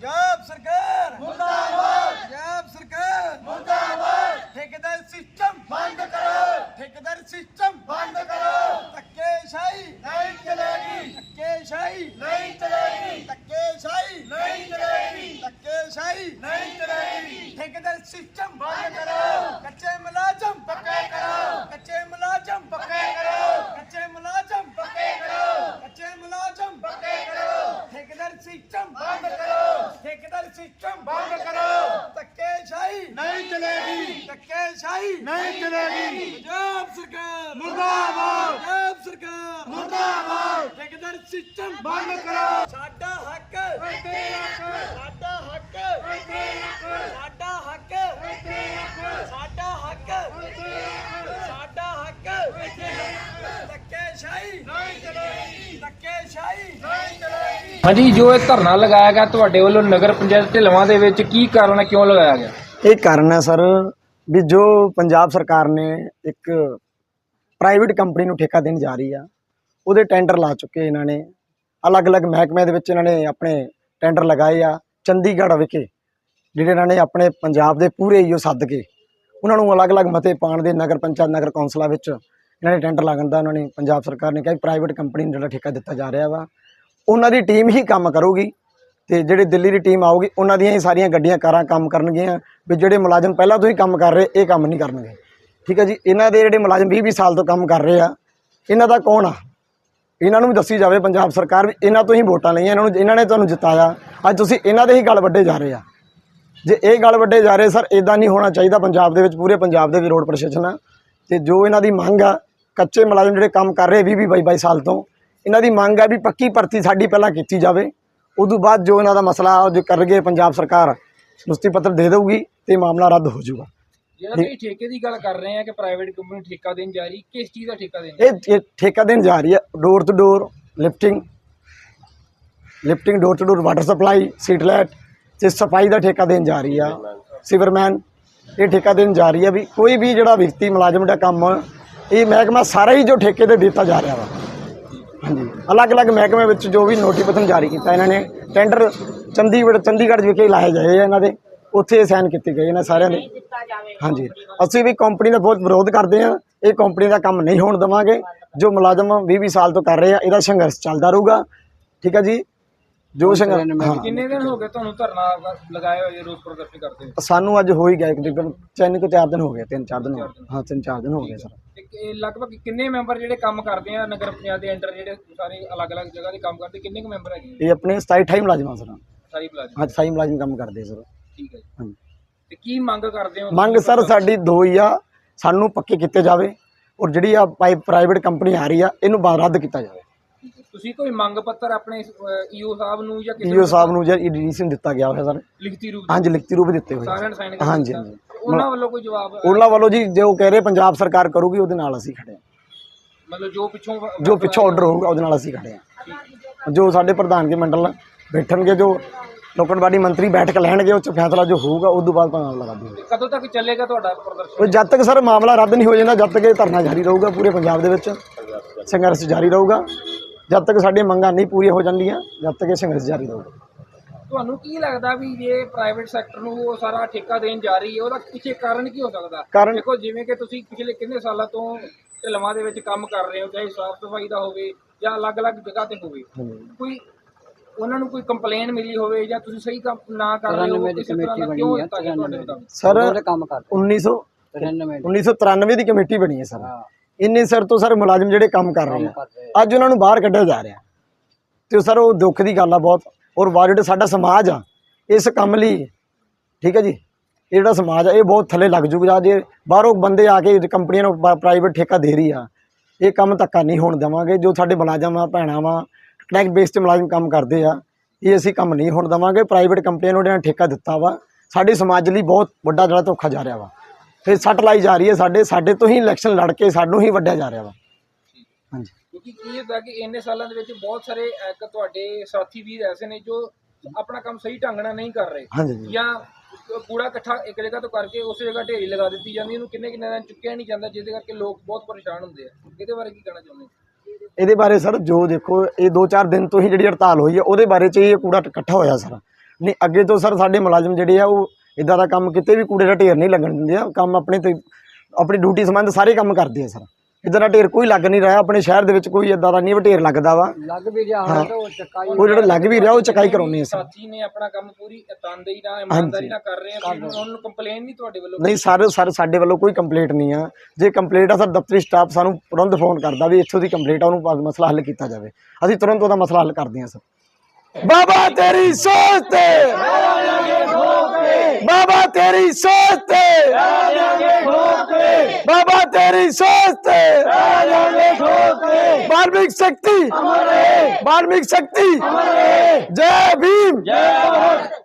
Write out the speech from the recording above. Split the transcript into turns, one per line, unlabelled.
पंजाब सरकार मुर्दाबाद, पंजाब सरकार मुर्दाबाद। ठेकेदार सिस्टम बंद करो, ठेकेदार सिस्टम बंद करो। धक्केशाही नहीं चलेगी, धक्केशाही नहीं चलेगी, धक्केशाही नहीं चलेगी, धक्केशाही नहीं चलेगी। ठेकेदार सिस्टम बंद करो, कच्चे मुलाजम पक्के करो, कच्चे मुलाजम पक्के करो, कच्चे मुलाजम पक्के करो, कच्चे मुलाजम पक्के करो। ठेकेदार सिस्टम बंद करो, ठेकेदार सिस्टम बंद करो। धक्केशाही नहीं चलेगी, धक्केशाही नहीं चलेगी। पंजाब सरकार मुर्दाबाद, पंजाब सरकार मुर्दाबाद। ठेकेदार सिस्टम बंद करो। साडा हक, साडा हक, साडा हक, साडा हक, साडा हक। धक्केशाही नहीं चलेगी, धक्केशाही नहीं चलेगी।
हाँ जी, जो ਇਹ ਧਰਨਾ ਲਗਾਇਆ ਗਿਆ ਤੁਹਾਡੇ ਵੱਲੋਂ ਨਗਰ ਪੰਚਾਇਤ ਢਿਲਵਾਂ ਦੇ ਵਿੱਚ ਕੀ ਕਾਰਨ ਹੈ, ਕਿਉਂ ਲਗਾਇਆ ਗਿਆ?
ਇਹ ਕਾਰਨ ਹੈ ਸਰ ਵੀ ਜੋ ਪੰਜਾਬ ਸਰਕਾਰ ਨੇ ਇੱਕ ਪ੍ਰਾਈਵੇਟ ਕੰਪਨੀ ਨੂੰ ਠੇਕਾ ਦੇਣ ਜਾ ਰਹੀ ਆ, ਉਹਦੇ ਟੈਂਡਰ ਲਾ ਚੁੱਕੇ ਇਹਨਾਂ ਨੇ। ਅਲੱਗ-ਅਲੱਗ ਮਹਿਕਮਿਆਂ ਦੇ ਵਿੱਚ ਇਹਨਾਂ ਨੇ ਆਪਣੇ ਟੈਂਡਰ ਲਗਾਏ ਆ। ਚੰਡੀਗੜ੍ਹ ਵਿਖੇ ਜਿਹੜੇ ਇਹਨਾਂ ਨੇ ਆਪਣੇ ਪੰਜਾਬ ਦੇ ਪੂਰੇ ਈਓ ਸੱਦ ਕੇ ਉਹਨਾਂ ਨੂੰ ਅਲੱਗ-ਅਲੱਗ ਮਤੇ ਪਾਉਣ ਦੇ ਨਗਰ ਪੰਚਾਇਤ ਨਗਰ ਕੌਂਸਲਾਂ ਵਿੱਚ ਇਹਨਾਂ ਨੇ ਟੈਂਡਰ ਲਾਉਣ ਦਾ ਉਹਨਾਂ ਨੇ ਪੰਜਾਬ ਸਰਕਾਰ ਨੇ ਕਿਹਾ ਪ੍ਰਾਈਵੇਟ ਕੰਪਨੀ ਨੂੰ ਜਿਹੜਾ ਠੇਕਾ ਦਿੱਤਾ ਜਾ ਰਿਹਾ ਵਾ ਉਹਨਾਂ ਦੀ ਟੀਮ ਹੀ ਕੰਮ ਕਰੂਗੀ ਤੇ ਜਿਹੜੇ ਦਿੱਲੀ ਦੀ ਟੀਮ ਆਊਗੀ ਉਹਨਾਂ ਦੀਆਂ ਹੀ ਸਾਰੀਆਂ ਗੱਡੀਆਂ ਕਾਰਾਂ ਕੰਮ ਕਰਨਗੀਆਂ। ਵੀ ਜਿਹੜੇ ਮੁਲਾਜ਼ਮ ਪਹਿਲਾਂ ਤੋਂ ਹੀ ਕੰਮ ਕਰ ਰਹੇ ਇਹ ਕੰਮ ਨਹੀਂ ਕਰਨਗੇ। ਠੀਕ ਹੈ ਜੀ। ਇਹਨਾਂ ਦੇ ਜਿਹੜੇ ਮੁਲਾਜ਼ਮ 20-20 ਸਾਲ ਤੋਂ ਕੰਮ ਕਰ ਰਹੇ ਆ, ਇਹਨਾਂ ਦਾ ਕੌਣ ਆ? ਇਹਨਾਂ ਨੂੰ ਵੀ ਦੱਸੀ ਜਾਵੇ ਪੰਜਾਬ ਸਰਕਾਰ ਵੀ ਇਹਨਾਂ ਤੋਂ ਹੀ ਵੋਟਾਂ ਲਈਆਂ, ਇਹਨਾਂ ਨੇ ਤੁਹਾਨੂੰ ਜਿਤਾਇਆ। ਅੱਜ ਤੁਸੀਂ ਇਹਨਾਂ ਦੇ ਹੀ ਗਲ ਵੱਡੇ ਜਾ ਰਹੇ ਆ। ਜੇ ਇਹ ਗਲ ਵੱਡੇ ਜਾ ਰਹੇ ਸਰ, ਇੱਦਾਂ ਨਹੀਂ ਹੋਣਾ ਚਾਹੀਦਾ। ਪੰਜਾਬ ਦੇ ਵਿੱਚ ਪੂਰੇ ਪੰਜਾਬ ਦੇ ਵੀ ਰੋਡ ਪ੍ਰਸ਼ਾਸਨ ਆ ਤੇ ਜੋ ਇਹਨਾਂ ਦੀ ਮੰਗ ਆ, ਕੱਚੇ ਮੁਲਾਜ਼ਮ ਜਿਹੜੇ ਕੰਮ ਕਰ ਰਹੇ 20-22 ਸਾਲ ਤੋਂ, ਇਹਨਾਂ ਦੀ ਮੰਗ ਆ ਵੀ ਪੱਕੀ ਭਰਤੀ ਸਾਡੀ ਪਹਿਲਾਂ ਕੀਤੀ ਜਾਵੇ। ਉਦੋਂ ਬਾਅਦ ਜੋ ਇਹਨਾਂ ਦਾ ਮਸਲਾ ਜੋ ਕਰਨਗੇ ਪੰਜਾਬ ਸਰਕਾਰ ਨੁਸਤੀ ਪੱਤਰ ਦੇ ਦੇਊਗੀ ਤੇ ਮਾਮਲਾ ਰੱਦ ਹੋ ਜਾਊਗਾ।
ਜਿਹੜਾ ਤੁਸੀਂ ਠੇਕੇ ਦੀ ਗੱਲ ਕਰ ਰਹੇ ਆ ਕਿ ਪ੍ਰਾਈਵੇਟ ਕੰਪਨੀ ਨੂੰ ਠੇਕਾ ਦੇਣ ਜਾ ਰਹੀ, ਕਿਸ ਚੀਜ਼ ਦਾ ਠੇਕਾ ਦੇਣ?
ਇਹ ਠੇਕਾ ਦੇਣ ਜਾ ਰਹੀ ਹੈ door to door lifting, door to door water supply, ਸੀਟਲੈਟ ਤੇ ਸਫਾਈ ਦਾ ਠੇਕਾ ਦੇਣ ਜਾ ਰਹੀ ਆ। ਸਿਵਰਮੈਨ ਇਹ ਠੇਕਾ ਦੇਣ ਜਾ ਰਹੀ ਹੈ ਵੀ ਕੋਈ ਵੀ ਜਿਹੜਾ ਵਿਅਕਤੀ ਮੁਲਾਜ਼ਮ ਦਾ ਕੰਮ ਇਹ ਮਹਿਕਮਾ ਸਾਰਾ ਹੀ ਜੋ ਠੇਕੇ ਤੇ ਦਿੱਤਾ ਜਾ ਰਿਹਾ ਵਾ। ਹਾਂਜੀ, ਅਲੱਗ-ਅਲੱਗ ਮਹਿਕਮੇ ਵਿੱਚ ਜੋ ਵੀ ਨੋਟੀਫਿਕੇਸ਼ਨ ਜਾਰੀ ਕੀਤਾ ਇਹਨਾਂ ਨੇ, ਟੈਂਡਰ ਚੰਡੀਗੜ੍ਹ ਵਿਖੇ ਲਾਏ ਗਏ ਆ ਇਹਨਾਂ ਦੇ, ਉੱਥੇ ਸਾਈਨ ਕੀਤੇ ਗਏ ਇਹਨਾਂ ਸਾਰਿਆਂ ਦੇ। ਹਾਂਜੀ, ਅਸੀਂ ਵੀ ਕੰਪਨੀ ਦਾ ਬਹੁਤ ਵਿਰੋਧ ਕਰਦੇ ਹਾਂ। ਇਹ ਕੰਪਨੀ ਦਾ ਕੰਮ ਨਹੀਂ ਹੋਣ ਦੇਵਾਂਗੇ। ਜੋ ਮੁਲਾਜ਼ਮ 20-20 ਸਾਲ ਤੋਂ ਕਰ ਰਹੇ ਆ, ਇਹਦਾ ਸੰਘਰਸ਼ ਚੱਲਦਾ ਰਹੂਗਾ। ਠੀਕ ਹੈ ਜੀ। ਜੋ ਸੰਘਰਸ਼
ਕਿੰਨੇ ਦਿਨ ਹੋ ਗਏ ਤੁਹਾਨੂੰ ਧਰਨਾ ਲਗਾਏ ਹੋਏ, ਰੋਸ ਪ੍ਰਦਰਸ਼ਨ ਕਰਦੇ?
ਸਾਨੂੰ ਅੱਜ ਹੋ ਹੀ ਗਿਆ ਤਕਰੀਬਨ 4 ਦਿਨ ਹੋ ਗਏ, 3-4 ਦਿਨ ਹੋ ਗਏ। ਹਾਂ, 3-4 ਦਿਨ ਹੋ ਗਏ ਸਰ।
ਤੇ ਲਗਭਗ ਕਿੰਨੇ ਮੈਂਬਰ ਜਿਹੜੇ ਕੰਮ ਕਰਦੇ ਆ ਨਗਰ ਪੰਚਾਇਤ ਦੇ ਅੰਡਰ, ਜਿਹੜੇ ਸਾਰੇ ਅਲੱਗ-ਅਲੱਗ ਜਗ੍ਹਾ ਦੇ ਕੰਮ ਕਰਦੇ, ਕਿੰਨੇ ਕੁ ਮੈਂਬਰ ਹੈਗੇ?
ਇਹ ਆਪਣੇ 27-28 ਮੁਲਾਜ਼ਮ ਸਰ।
ਸਾਰੀ ਮੁਲਾਜ਼ਮ?
ਹਾਂ, 27 ਮੁਲਾਜ਼ਮ ਕੰਮ ਕਰਦੇ ਸਰ।
ਠੀਕ ਹੈ ਜੀ।
ਹਾਂਜੀ।
ਤੇ ਕੀ ਮੰਗ ਕਰਦੇ ਹੋ?
ਮੰਗ ਸਰ ਸਾਡੀ ਦੋ ਹੀ ਆ, ਸਾਨੂੰ ਪੱਕੇ ਕੀਤੇ ਜਾਵੇ ਔਰ ਜਿਹੜੀ ਆ ਪ੍ਰਾਈਵੇਟ ਕੰਪਨੀ ਆ ਰਹੀ ਆ ਇਹਨੂੰ ਰੱਦ ਕੀਤਾ ਜਾਵੇ।
ਤੁਸੀਂ ਕੋਈ ਮੰਗ ਪੱਤਰ ਆਪਣੇ ਈਓ ਸਾਹਿਬ ਨੂੰ ਜਾਂ
ਈਓ ਸਾਹਿਬ ਨੂੰ ਜਾਂ ਡੀਡੀਸੀ ਨੂੰ ਦਿੱਤਾ ਗਿਆ ਹੋਇਆ ਸਰ?
ਲਿਖਤੀ ਰੂਪ?
ਹਾਂਜੀ, ਲਿਖਤੀ ਰੂਪ ਦਿੱਤੇ ਹੋਏ
ਸਾਰਿਆਂ ਨੇ ਸਾਈਨ?
ਹਾਂਜੀ।
ਉਹਨਾਂ ਵੱਲੋਂ ਕੋਈ ਜਵਾਬ?
ਉਹਨਾਂ ਵੱਲੋਂ ਜੀ ਜੋ ਕਹਿ ਰਹੇ ਪੰਜਾਬ ਸਰਕਾਰ ਕਰੂਗੀ ਉਹਦੇ ਨਾਲ ਅਸੀਂ ਖੜੇ ਹਾਂ।
ਮਤਲਬ ਜੋ
ਪਿੱਛੋਂ ਆਰਡਰ ਹੋਊਗਾ ਉਹਦੇ ਨਾਲ ਅਸੀਂ ਖੜੇ ਹਾਂ। ਜੋ ਸਾਡੇ ਪ੍ਰਧਾਨਗੀ ਮੰਡਲ ਬੈਠਣਗੇ, ਜੋ ਲੋਕਲ ਬਾਡੀ ਮੰਤਰੀ ਬੈਠ ਕੇ ਲੈਣਗੇ, ਉਹ 'ਚ ਫੈਸਲਾ ਜੋ ਹੋਊਗਾ ਉਸ ਤੋਂ ਬਾਅਦ ਮਾਮਲਾ ਰੱਦ ਹੋਊਗਾ।
ਕਦੋਂ ਤੱਕ ਚੱਲੇਗਾ ਤੁਹਾਡਾ ਪ੍ਰਦਰਸ਼ਨ?
ਜਦ ਤੱਕ ਸਰ ਮਾਮਲਾ ਰੱਦ ਨਹੀਂ ਹੋ ਜਾਂਦਾ, ਜਦ ਤੱਕ ਇਹ ਧਰਨਾ ਜਾਰੀ ਰਹੂਗਾ। ਪੂਰੇ ਪੰਜਾਬ ਦੇ ਵਿੱਚ ਸੰਘਰਸ਼ ਜਾਰੀ ਰਹੂਗਾ ਜਦ ਤੱਕ ਸਾਡੀਆਂ ਮੰਗਾਂ ਨਹੀਂ ਪੂਰੀਆਂ ਹੋ ਜਾਂਦੀਆਂ, ਜਦ ਤੱਕ ਇਹ ਸੰਘਰਸ਼ ਜਾਰੀ ਰਹੂਗਾ।
ਤੁਹਾਨੂੰ ਕੀ ਲੱਗਦਾ ਵੀ ਜੇ ਪ੍ਰਾਈਵੇਟ ਸੈਕਟਰ ਨੂੰ ਉਹ ਸਾਰਾ ਠੇਕਾ ਦੇਣ ਜਾ ਰਹੀ ਹੈ, ਉਹਦਾ ਪਿੱਛੇ ਕਾਰਨ ਕੀ ਹੋ ਸਕਦਾ?
ਕਾਰਨ
ਦੇਖੋ, ਜਿਵੇਂ ਕਿ ਤੁਸੀਂ ਪਿਛਲੇ ਕਿੰਨੇ ਸਾਲਾਂ ਤੋਂ ਢਿਲਵਾਂ ਦੇ ਵਿੱਚ ਕੰਮ ਕਰ ਰਹੇ ਹੋ, ਚਾਹੇ ਸਾਫ਼ ਸਫਾਈ ਦਾ ਹੋਵੇ ਜਾਂ ਅਲੱਗ-ਅਲੱਗ ਜਗ੍ਹਾ ਤੇ ਹੋਵੇ, ਕੋਈ ਉਹਨਾਂ ਨੂੰ ਕੋਈ ਕੰਪਲੇਨ ਮਿਲੀ ਹੋਵੇ ਜਾਂ ਤੁਸੀਂ ਸਹੀ ਕੰਮ ਨਾ ਕਰ ਰਹੇ ਹੋ, ਕਿਸੇ ਤਰ੍ਹਾਂ ਦਾ ਕਿਉਂ ਦਿੱਤਾ ਗਿਆ ਤੁਹਾਡੇ ਮੁਤਾਬਿਕ?
ਸਰ 1993 ਦੀ ਕਮੇਟੀ ਬਣੀ ਹੈ ਸਰ। ਇੰਨੇ ਸਿਰ ਤੋਂ ਸਰ ਮੁਲਾਜ਼ਮ ਜਿਹੜੇ ਕੰਮ ਕਰ ਰਹੇ ਆ, ਅੱਜ ਉਹਨਾਂ ਨੂੰ ਬਾਹਰ ਕੱਢਿਆ ਜਾ ਰਿਹਾ ਤੇ ਸਰ ਉਹ ਦੁੱਖ ਦੀ ਗੱਲ ਆ ਬਹੁਤ। ਔਰ ਜਿਹੜਾ ਸਾਡਾ ਸਮਾਜ ਆ ਇਸ ਕੰਮ ਲਈ, ਠੀਕ ਹੈ ਜੀ, ਇਹ ਜਿਹੜਾ ਸਮਾਜ ਆ ਇਹ ਬਹੁਤ ਥੱਲੇ ਲੱਗ ਜੂਗਾ ਜੇ ਬਾਹਰੋਂ ਬੰਦੇ ਆ ਕੇ ਕੰਪਨੀਆਂ ਨੂੰ ਪ੍ਰਾਈਵੇਟ ਠੇਕਾ ਦੇ ਰਹੀ ਆ। ਇਹ ਕੰਮ ਧੱਕਾ ਨਹੀਂ ਹੋਣ ਦੇਵਾਂਗੇ। ਜੋ ਸਾਡੇ ਮੁਲਾਜ਼ਮ ਆ, ਭੈਣਾਂ ਵਾ, ਕਨੈਕਟ ਬੇਸ 'ਤੇ ਮੁਲਾਜ਼ਮ ਕੰਮ ਕਰਦੇ ਆ, ਇਹ ਅਸੀਂ ਕੰਮ ਨਹੀਂ ਹੋਣ ਦੇਵਾਂਗੇ। ਪ੍ਰਾਈਵੇਟ ਕੰਪਨੀਆਂ ਨੂੰ ਜਿਹੜਾ ਠੇਕਾ ਦਿੱਤਾ ਵਾ, ਸਾਡੇ ਸਮਾਜ ਲਈ ਬਹੁਤ ਵੱਡਾ ਜਿਹੜਾ ਧੋਖਾ ਜਾ ਰਿਹਾ ਵਾ। ਫਿਰ ਸੱਟ ਲਾਈ ਜਾ ਰਹੀ ਹੈ, ਸਾਡੇ ਤੋਂ ਹੀ ਇਲੈਕਸ਼ਨ ਲੜ ਕੇ ਸਾਨੂੰ ਹੀ ਵੱਢਿਆ ਜਾ ਰਿਹਾ ਵਾ। ਹਾਂਜੀ,
ਕਿਉਂਕਿ ਕੀ ਹੁੰਦਾ ਕਿ ਇੰਨੇ ਸਾਲਾਂ ਦੇ ਵਿੱਚ ਬਹੁਤ ਸਾਰੇ ਤੁਹਾਡੇ ਸਾਥੀ ਵੀਰ ਐਸੇ ਨੇ ਜੋ ਆਪਣਾ ਕੰਮ ਸਹੀ ਢੰਗ ਨਾਲ ਨਹੀਂ ਕਰ ਰਹੇ।
ਹਾਂਜੀ।
ਜਾਂ ਕੂੜਾ ਇਕੱਠਾ ਇੱਕ ਜਗ੍ਹਾ ਤੋਂ ਕਰਕੇ ਉਸ ਜਗ੍ਹਾ ਢੇਰੀ ਲਗਾ ਦਿੱਤੀ ਜਾਂਦੀ, ਇਹਨੂੰ ਕਿੰਨੇ ਦਿਨ ਚੁੱਕਿਆ ਨਹੀਂ ਜਾਂਦਾ, ਜਿਹਦੇ ਕਰਕੇ ਲੋਕ ਬਹੁਤ ਪਰੇਸ਼ਾਨ ਹੁੰਦੇ ਆ। ਇਹਦੇ ਬਾਰੇ ਕੀ ਕਹਿਣਾ ਚਾਹੁੰਦੇ? ਇਹਦੇ
ਬਾਰੇ ਸਰ ਜੋ ਦੇਖੋ, ਇਹ 2-4 ਦਿਨ ਤੋਂ ਹੀ ਜਿਹੜੀ ਹੜਤਾਲ ਹੋਈ ਹੈ ਉਹਦੇ ਬਾਰੇ 'ਚ ਇਹ ਕੂੜਾ ਇਕੱਠਾ ਹੋਇਆ ਸਰ। ਨਹੀਂ ਅੱਗੇ ਤੋਂ ਸਰ ਸਾਡੇ ਮੁਲਾਜ਼ਮ ਜਿਹੜੇ ਆ ਉਹ ਇਦਾਂ ਦਾ ਕੰਮ ਕਿਤੇ ਵੀ ਕੂੜੇ ਦਾ ਢੇਰ ਨਹੀਂ ਲੱਗਣ ਦਿੰਦੇ ਆ। ਕੰਮ ਆਪਣੇ ਤੇ ਆਪਣੀ ਡਿਊਟੀ ਸੰਬੰਧ ਸਾਰੇ ਕੰਮ ਕਰਦੇ ਆ ਸਰ। ਇਦਾਂ ਦਾ ਢੇਰ ਕੋਈ ਲੱਗ ਨਹੀਂ ਰਿਹਾ ਆਪਣੇ ਸ਼ਹਿਰ ਦੇ ਵਿੱਚ, ਕੋਈ ਇਦਾਂ ਦਾ ਨਹੀਂ ਢੇਰ ਲੱਗਦਾ ਵਾ।
ਲੱਗ ਵੀ ਰਿਹਾ ਹੁਣ ਤਾਂ ਉਹ ਚਕਾਈ
ਉਹ ਜਿਹੜਾ ਲੱਗ ਵੀ ਰਿਹਾ ਉਹ ਚਕਾਈ ਕਰਾਉਂਦੇ ਆ ਸਰ।
ਸਾਥੀ ਨੇ ਆਪਣਾ ਕੰਮ ਪੂਰੀ ਤਨਦੇਹੀ ਨਾਲ ਇਮਾਨਦਾਰੀ ਨਾਲ ਕਰ ਰਹੇ ਆ, ਉਹਨਾਂ ਨੂੰ ਕੰਪਲੇਨ ਨਹੀਂ ਤੁਹਾਡੇ ਵੱਲੋਂ?
ਨਹੀਂ ਸਰ ਸਾਡੇ ਵੱਲੋਂ ਕੋਈ ਕੰਪਲੇਂਟ ਨਹੀਂ ਆ। ਜੇ ਕੰਪਲੇਂਟ ਆ ਸਰ ਦਫ਼ਤਰੀ ਸਟਾਫ ਸਾਨੂੰ ਤੁਰੰਤ ਫੋਨ ਕਰਦਾ ਵੀ ਇੱਥੋਂ ਦੀ ਕੰਪਲੇਂਟ ਆ, ਉਹਨੂੰ ਮਸਲਾ ਹੱਲ ਕੀਤਾ ਜਾਵੇ। ਅਸੀਂ ਤੁਰੰਤ ਉਹਦਾ ਮਸਲਾ ਹੱਲ ਕਰਦੇ ਹਾਂ ਸਰ। ਬਾਬਾ ਤੇਰੀ ਸੋਚ ਤੇ ਬਾਬਾ ਤੇਰੀ ਸੋਚ ਤੇ ਬਾਬਾ ਤੇਰੀ ਸੋਚ ਤੇ ਵਾਲਮੀਕ ਸ਼ਕਤੀ ਵਾਲਮੀਕ ਸ਼ਕਤੀ ਜੈ ਭੀਮ।